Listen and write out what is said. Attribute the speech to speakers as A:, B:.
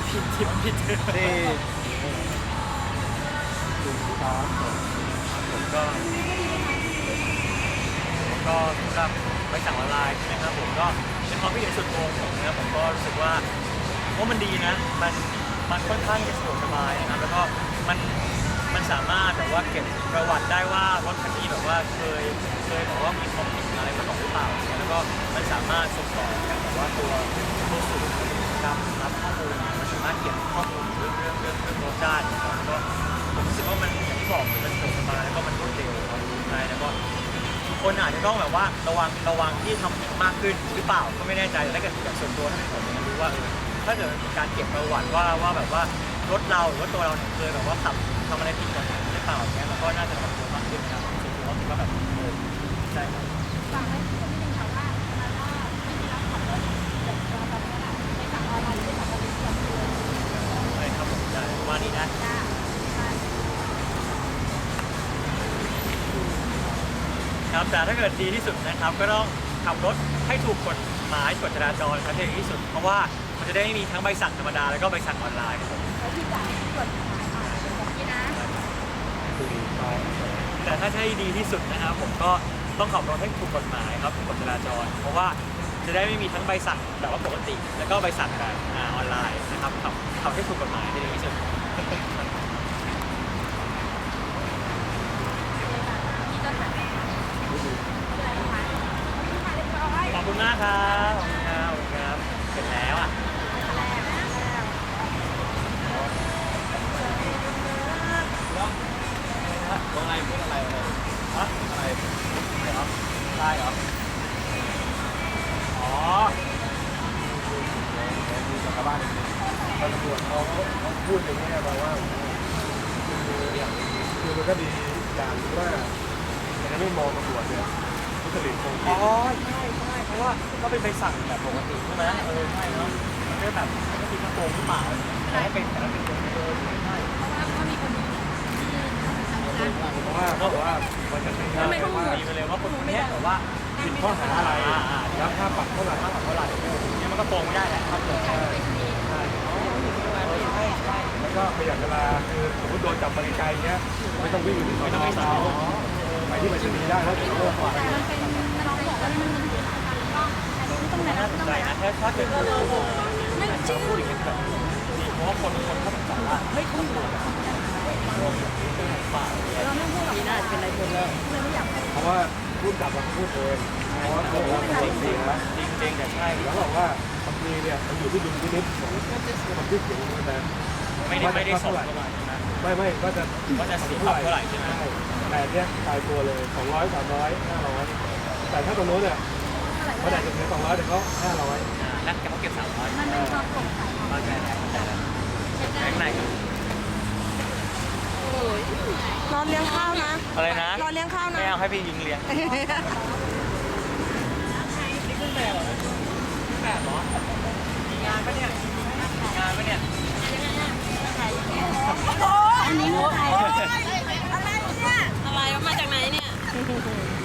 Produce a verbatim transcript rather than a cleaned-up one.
A: ผิดผิดผิด
B: ที่ดูครับ
A: ผมก็ก็สำหรับใบสั่งออนไลน์นะครับผมก็ในความคิดเห็นส่วนตัวผมนะครับผมก็รู้สึกว่าว่ามันดีนะมันมันค่อนข้างจะสะดวกสบายนะครับแล้วก็มันมันสามารถแบบว่าเก็บประวัติได้ว่ารถคันนี้แบบว่าเคยเคยแบบว่ามีความผิดอะไรมาก่อนหรือเปล่าแล้วก็มันสามารถส่งต่อกันแบบว่าตัวตัวสูตรการรับข้อมูลมันสามารถเก็บข้อมูลเรื่องเรื่องเรื่องเรื่องรถได้นะครับก็ผมรู้สึกว่ามันอย่างที่บอกมันสะดวกสบายแล้วก็มันรวดเร็วครับใช่แล้วก็คนอาจจะต้องแบบว่าระวังระวังที่ทำผิดมากขึ้นหรือเปล่าก็ไม่แน่ใจแต่ถ้าเกิดอย่างส่วนตัวถ้าเป็นผมเนี่ยรู้ว่าเออถ้าเกิดมีการเก็บประวัติว่าว่าแบบว่ารถเราหรือว่าตัวเราเนี่ยเคยแบบว่าขับทำอะไรผิดกฎหมายหรือเปล่าเนี่ยมันก็น่าจะระวังตัวมากขึ้นนะครับส่วนตัวคิดว่าแบบเออใช่ครับ
C: ฟังแล้วที่จะไม่เป็นข่าวว่ามาล่าไม่ได้รับขับรถเกิดตัวตอนนี้แหละในสั่งออนไลน์ที่สั่งออนไลน์ที่สั่งเลย
A: ใช่ครับผมใช่ว่านี้นะครับแต่ถ้าเกิดดีที่สุดนะครับก็ต้องขับรถให้ถูกกฎหมายกฎจราจรครับที่ดีที่สุดเพราะว่ามันจะได้ไม่มีทั้งใบสั่งธรรมดาแล้วก็ใบสั่งออนไลน์ครับผม
C: แล้วที่จ่ายกฎหมายอ่านเป็นแบบนี้นะ
A: แต่ถ้าให้ดีที่สุดนะครับผมก็ต้องขับรถให้ถูกกฎหมายครับถูกกฎจราจรเพราะว่าจะได้ไม่มีทั้งใบสั่งแบบว่าปกติแล้วก็ใบสั่งแบบออนไลน์นะครับขับขับให้ถูกกฎหมายที่ดีที่สุดขอบคุณมากครับขอบคุณครับขอบคุณครับเสร็จแล้วอ่ะ
B: ว่าไงพูดอะไรอะไร
A: ฮะ
B: อะไร
A: อะไรครับได้เหรออ๋อ
B: มีกับชาวบ้านตำรวจเขาเขาพูดอย่างนี้มาว่าคือคือมันก็ดีอย่างว่ามันไม่มองตำรวจเนี่ยทุจริตโกงกิน
A: อ๋อใช่ใช่เพราะว่าก็เป็นใบสั่งแบบปกติใช่ไหมเออใช่เนาะมันก็แบบไม่คิดว่าโกงหรือเปล่าแต่ให้เป็นแต่ละเป็นโกงเออใช่
C: เพราะว่าก็มีคนที่ทำงาน
B: เพราะว่าเพราะว่ามันจะมีว่า
A: ดีไปเลยว่าคนนี้แบบว่า
B: ผิดข้อหาอะไรแล้วค่าปรับเท่าไหร่
A: ค่าปรับเท่าไหร่เนี่ยมันก็โกงไม่ได้แหละครับใช่ใช่ใช่ใช่
B: แล้วก็ประหยัดเวลาคือสมมติโดนจับไปไกลเงี้ยไม่ต้องวิ่งอยู่ที่สอนอเช้าไปที่ไปรษณีย์ได้แล้วเดี๋ยวโลกกว่า
C: แต่มันเป็นน้องบอกว่ามันมีเหตุการณ์ก็ต้องไหนต้องไหน
A: นะถ้าถ้าเกิดไม่จริงพูดอย่างนี้แบบเพราะว่าคนคนเขาบอกว่าไม่คุ้มหรอก
C: เราไม่พูดหรอกนี่น่าจะเป็นไรคนเลยไม่อยาก
B: เพราะว่าพูดจับเราพูดเองเพราะว่าตัวเราจริงจริงนะ
A: จริงจริงแต่ใช่
B: แล้วบอกว่าบางทีเนี่ยมันอยู่ที่ดุลพินิจของคนที่เขียนนะ
A: ไม่ได้ไม่ได้ส่งเท่าไหร่นะ
B: ไม่ไม่ก็จะ
A: ก็จะสีเท่าไหร่ใช่ไหม
B: แต่เนี้ยตายตัวเลยสองร้อยสามร้อยห้าร้อยแต่ถ้าตรงโน้นเนี่ยมันอาจจะถึงสองร้อยแต่ก็ห้าร้อย
A: นั่นแกเขาเก็บสามร้อย
C: มันเป็นความโปร่งใส
A: มาใจแล้วใจแล้วข้างใน
D: รอเลี้ยงข้าวนะ
A: อะไรนะ
D: รอเลี้ยงข้าวนะ
A: ไม่เอาให้พี่ยิงเลี้ยงนี่ขึ้นแบบเหรอแบบเหรอมีงานปะเนี่ยมีงานปะเนี่ย
C: อันนี้มือใคร
D: อะไรเนี่ยอะไรมาจากไหนเนี่ย